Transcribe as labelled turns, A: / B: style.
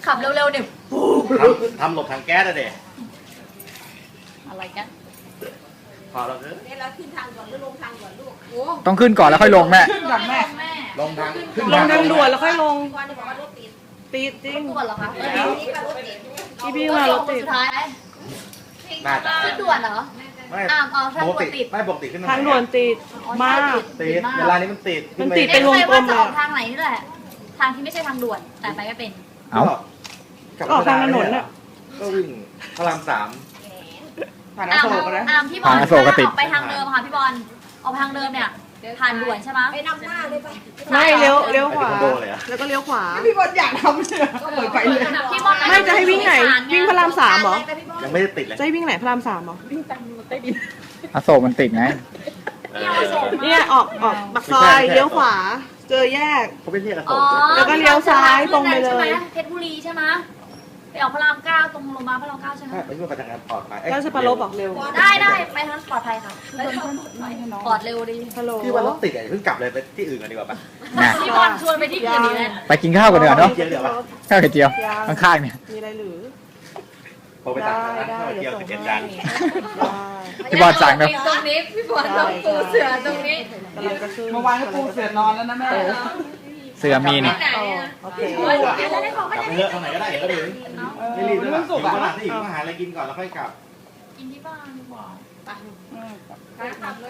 A: ขับเร็วๆเนี่ยปู
B: ทำหลบทางแก๊สอะเด็
A: อะไรกัน
B: พอเราเออ
C: เนี่ยเราขึ้นทางก่อนหรือลงทางก่อนลูกโอ้
D: ต้องขึ้นก่อนแล้วค่อยลงแม่
E: ขึ้นก่อนแม่
A: แม่
B: ลงทางขึ้น
E: ลงทางด่วนแล้วค่อยลง
C: ก่อนจะบอกว่ารถติด
E: ติดจริง
A: ด่วนเหรอคะ
C: นี่ก็รถติด
E: พี่พี่ว่ารถติด
A: สุดท้าย
B: น่าจะ
A: ขึ้นด่วนเหรอ
B: ไม่
A: เอาทาง
B: ป
A: ด่
B: ก
A: วน
B: ติ
A: ติด
B: ไม่ปกติขึ้น
E: ทางด่วนติดมาก
B: ติดเวลานี้มันติด
E: มันติด
A: เป็นวงกลม
E: เลย
A: จะออกทางไหนนี่แหละ ทางที่ไม่ใช่ทางด่วน แต่ไปไม่เป็น
D: เอ้า
E: ออกทางถนนน่ะ
B: ก็วิ่งพระราม3
E: ผ่านอโศกนะ
A: พี่บอล
D: ทางอโศกก็ติด
A: ออกไปทางเดิมค่ะพี่บอลออกไปทางเดิมเนี่ยผ่านด่วนใช่ไหม
C: ไปนำหน้าเลยไป
E: ไม่เลี้ยวขวา
B: ไปเทควันโดเลยอะ
E: แล้วก็เลี้ยวขวา
F: พี่บอลอยากทำเนี่ยก็เปิดไปเลย
A: พี่บอล
E: ไม่จะให้วิ่งไหน วิ่งพระราม3เหรอ
B: ยังไม่ได้ติดเลย
E: จะให้วิ่งไหนพระราม3เหรอ
D: อโศกมันติดไง
E: เนี่ยออกปากซอยเลี้ยวขวา เจอแยก
B: เขาไม่เรียกอโศ
A: อ๋อก
E: แล้วก็เลี้ยวซ้ายตรงไปเลย
A: ใช่หมเพชรบุรีใช่ไหมไปออกพระราม9ตรงโรงพยาบาลพระราม9ใช่ไหม
B: ใช่ไปช่วยประจังงานปลอดภัย
E: แล้วจะปลบเหรอ
F: เร็ว
A: ได้ไปทางนั้นปลอดภัยค่ะปลอดเร็วดี
E: ฮัลโหล
B: พี่ว่ารถติดไอ้เพิ่งกลับเลยไปที่อื่นกันดีกว่าปะ
D: น่ะ
A: พี่บอลชวนไปที่อื่นดีเลย
D: ไปกินข้าวกันเถอะเนาะ
B: เจียวเดี๋ยวปะ
D: ข้าวไข่เจียว ข้างๆเนี่ย
E: มีอะไรหรือ
B: โทรไปสั่งนะ
E: ได้
B: ข้าว
E: เดี๋
B: เจี
E: ย
B: ยว ว
E: ส่ง
B: 11
E: ให้
B: จาน
D: พี่บอลสั่งนะ
A: ตรงนี้พี่บอลต้องปูเสือตรงนี้
E: กำลังจะขึ้น
F: เมื่อวานก็ปูเสือนอนแล้วนะแม่
D: เสือมีนี่
A: ไหน
E: อ๋อ
A: อะ
E: โอเค
A: แล้วได้ของ
B: กลับไปเถอะทางไหนก็ได้เดี๋ยวก็ถึงไม่รีบด้วย
F: มันสุก
B: ถึง
F: อ่ะ
B: เวลาที่อีกมาหาอะไรกินก่อนแล้วค่อยกลับ
A: กินที่บ้านดีกว่า
C: ขากลับเลย